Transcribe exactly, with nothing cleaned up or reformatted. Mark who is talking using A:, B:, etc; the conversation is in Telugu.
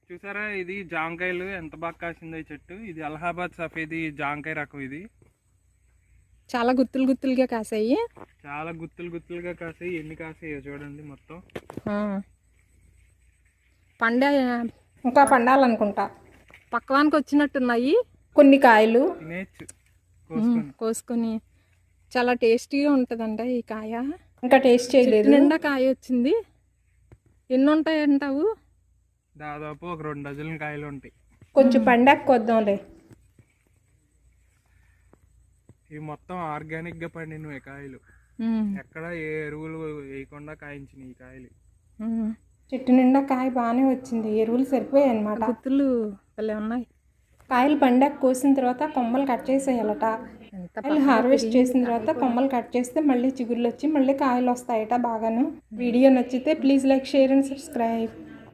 A: చూసారా, ఇది జాంకాయలు ఎంత బాగా కాసిందో ఈ చెట్టు. ఇది అలహాబాద్ సఫేది జాంకాయ రకం. ఇది
B: చాలా గుత్తులు గుత్తులుగా కాసాయి.
A: చాలా గుత్తులు గుత్తులుగా కాసాయి. ఎన్ని కాసాయో చూడండి మొత్తం.
B: పండే
C: ఇంకా పండాలనుకుంటా.
B: పక్కవానికి వచ్చినట్టున్నాయి
C: కొన్ని కాయలు
A: తినేచ్చు
B: ఉమ్, కోసుకొని. చాలా టేస్టీగా ఉంటుందంట ఈ కాయ.
C: ఇంకా టేస్ట్ చేయలేదు.
B: నిండా కాయ వచ్చింది. ఎన్ని ఉంటాయి అంటావు?
A: దాదాపు ఒక రెండు డజన్ల కాయలు ఉంటాయి.
C: కొంచెం పండాక కొద్దాంలే.
A: ఇవి మొత్తం ఆర్గానిక్ గా పండినవి కాయలు.
B: ఉమ్,
A: ఎక్కడ ఏ ఎరువులు వేయకుండా కాయించినాయి ఈ కాయలు.
B: ఉమ్.
C: చెట్టు నిండా కాయ బాగానే వచ్చింది. ఎరువులు సరిపోయాయి అనమాట.
B: గుత్తులు భలే ఉన్నాయి.
C: కాయలు పండాక కోసిన తర్వాత కొమ్మలు కట్ చేసేయాలట.
B: ఎంత
C: కాయలు హార్వెస్ట్ చేసిన తర్వాత కొమ్మలు కట్ చేస్తే మళ్ళీ చిగుర్లు వచ్చి మళ్ళీ కాయలు వస్తాయట బాగాను. వీడియో నచ్చితే please like, share and subscribe.